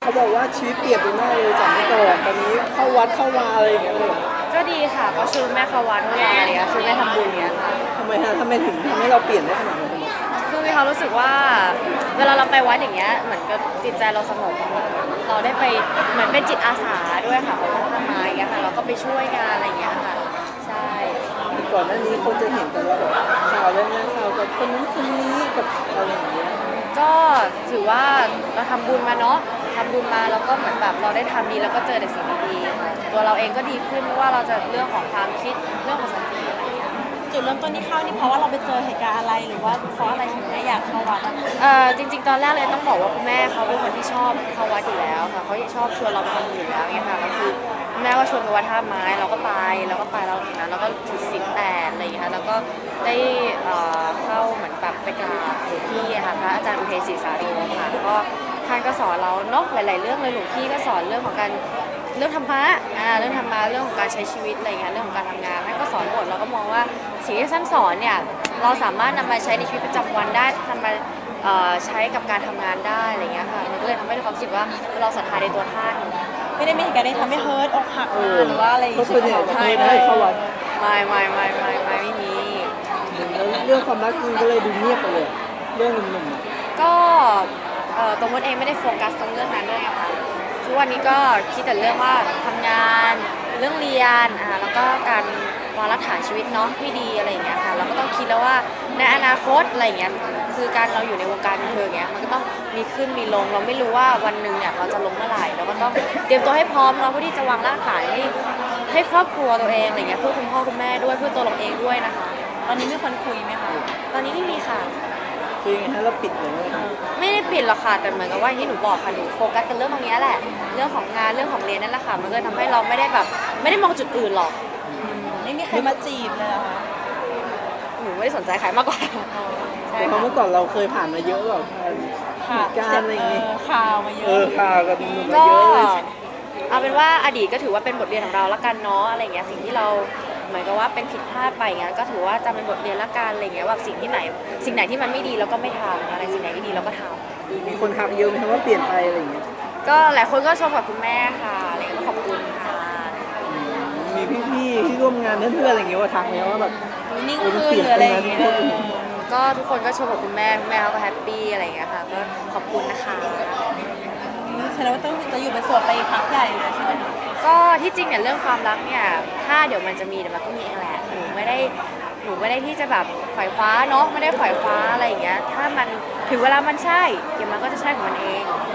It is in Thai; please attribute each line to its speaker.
Speaker 1: เขาบอกว่าชีวิตเปลี่ยนไปมากเลยจากเมื่อก่อนตอนนี้เข้าวัดเข้าวาอะไรอย่างเงี้ยเลย
Speaker 2: ก็ดีค่ะก็ชวนแม่เข้าวัดเวลาอะไรเงี้ยชวนแม่ทำบุญเนี้ยค่ะ
Speaker 1: ทำไมฮะทำไมถึงทำให้เราเปลี่ยนได้ขนาดนั้น
Speaker 2: คือมีความรู้สึกว่าเวลาเราไปวัดอย่างเงี้ยเหมือนกับจิตใจเราสงบเราได้ไปเหมือนเป็นจิตอาสาด้วยค่ะของวัดท่าไม้เงี้ยค่ะเราก็ไปช่วยงานอะไรเงี้ยค่ะใช่
Speaker 1: ก่อนหน้านี้คนจะเห็นแต่ว่าแบบข่าวเรื่องงานข่าวกับคนนั้นคนนี้กับอะไรอย่างเงี้ย
Speaker 2: ก็ถือว่าเราทำบุญมาเนาะทำบุญมาแล้วก็เหมือนแบบเราได้ทำดีแล้วก็เจอแต่สิ่งดีๆตัวเราเองก็ดีขึ้นไม่ว่าเราจะเรื่องของความคิดเรื่องของสติอะไรเงี้ย
Speaker 3: จุดเริ่มต้นที่เข้านี่เพราะว่าเราไปเจอเหตุการณ์อะไรหรือว่าเพราะอะไรถึงได้อยากเข้าวัดอะ
Speaker 2: จริงๆตอนแรกเลยต้องบอกว่าคุณแม่เขาเป็นคนที่ชอบเข้าวัดอยู่แล้วค่ะเขาชอบชวนเราไปทำบุญอยู่แล้วเนี่ยค่ะก็คือคุณแม่ก็ชวนไปวัดท่าไม้เราก็ไปเราถึงนั้นเราก็ถือศีล8อะไรอย่างเงี้ยค่ะแล้วก็ได้เข้าเหมือนแบบไปกราบหลวงพี่ค่ะพระอาจารย์อุเทศศรีสาโรค่ะก็ท่านก็สอนเราเนาะหลายๆเรื่องเลยหลวงพี่ก็สอนเรื่องของการเรื่องธรรมะเรื่องธรรมะเรื่องของการใช้ชีวิตอะไรเงี้ยเรื่องของการทำงานท่านก็สอนหมดเราก็มองว่าสิ่งที่ท่านสอนเนี่ยเราสามารถนำมาใช้ในชีวิตประจำวันได้นำมาใช้กับการทำงานได้อะไรเงี้ยค่ะมันก็เลยทำให้เรารู้สึกว่าเราศรัทธาในตัวท่าน
Speaker 3: ไม่ได้มีเหตุการณ์ที่ทำให้เฮิร์ตอกหักหรือว่าอะไรอย่าง
Speaker 1: ก็
Speaker 3: เงี้ย
Speaker 1: ส่วนใหญ่จะไม่ได้เข้าวัด
Speaker 2: ไม่มี
Speaker 1: แล้วเรื่องความรักมันก็เลยดูเงียบไปเลยเรื่องหนุ่ม
Speaker 2: ก็ตัวมดเองไม่ได้โฟกัสตรงเรื่องนั้นด้วยค่ะทุกวันนี้ก็คิดแต่เรื่องว่าทำงานเรื่องเรียนแล้วก็การวางรากฐานชีวิตเนาะที่ดีอะไรอย่างเงี้ยค่ะเราก็ต้องคิดแล้วว่าในอนาคตอะไรอย่างเงี้ยคือการเราอยู่ในวงการบันเทิงเงี้ยมันก็ต้องมีขึ้นมีลงเราไม่รู้ว่าวันหนึ่งเนี่ยเราจะลงเมื่อไหร่เราก็ต้องเตรียมตัวให้พร้อมเราเพื่อที่จะวางรากฐานให้ครอบครัวตัวเองอะไรเงี้ยเพื่อคุณพ่อคุณแม่ด้วยเพื่อตัวเราเองด้วยนะคะ
Speaker 3: ตอนนี้มีคนคุยไหมคะ
Speaker 2: ตอนนี้ไม่มีค่ะ
Speaker 1: ๆคือยังไงฮะเราปิดเลย
Speaker 2: ไม่ได้ปิดหรอกค่ะแต่เหมือนกับว่าที่หนูบอกค่ะหนูโฟกัสกับเรื่องตรงนี้แหละเรื่องของงานเรื่องของเรียนนั่นแหละค่ะมันก็ทำให้เราไม่ได้แบบไม่ได้มองจุดอื่นหรอก
Speaker 3: ไม่มีใครมาจีบเลยเหรอคะ
Speaker 2: หนูไม่ได้สนใจใครมากกว่าใช่
Speaker 1: เพราะ
Speaker 2: ค่ะ
Speaker 1: เมื่อก่อนเราเคยผ่านมาเยอะแบบเห
Speaker 3: ค่ะ
Speaker 1: ตุการณ์อะไรอย่างงี้
Speaker 3: ข่าวมาเยอะ
Speaker 1: ข่าวกับหนุ่มมา
Speaker 2: ก็
Speaker 1: เยอะเลย
Speaker 2: เอาเป็นว่าอดีตก็ถือว่าเป็นบทเรียนของเราละกันเนาะอะไรเงี้ยสิ่งที่เราเหมือนกับว่าเป็นผิดพลาดไปเงี้ยก็ถือว่าจำเป็นบทเรียนละกันอะไรเงี้ยว่าสิ่งไหนที่มันไม่ดีเราก็ไม่ทำอะไรสิ่งไหนที่ดีเราก็ทำ
Speaker 1: มีคนทักเยอะไหมครับว่าเปลี่ยนไปอะไรอย่างเงี้ย
Speaker 2: ก็หลายคนก็ชมกับคุณแม่ค่ะอะไรเงี้ยก็ขอบคุณค่ะ
Speaker 1: มีพี่ๆที่ร่วมงานเพื่อนๆอะไรอย่างเงี้ยว่าทักไหมว่าแบบ
Speaker 3: นิ่งขึ้นหรืออะไรอย่างเงี้ย
Speaker 2: ก็ทุกคนก็ชมกับคุณแม่เขาก็แฮปปี้อะไรอย่างเงี้ยค่ะก็ขอบคุณนะคะ
Speaker 3: แสดงว่าต้องจะอยู่เป็นโสดไปพักใหญ่เลยใช่ไหม
Speaker 2: ก็ที่จริงเนี่ยเรื่องความรักเนี่ยถ้าเดี๋ยวมันจะมีเดี๋ยวมันก็มีเองแหละหนูไม่ได้ที่จะแบบขวายคว้าเนาะไม่ได้ขวายคว้าอะไรอย่างเงี้ยถ้ามันถึงเวลามันใช่เดี๋ยวมันก็จะใช่ของมันเอง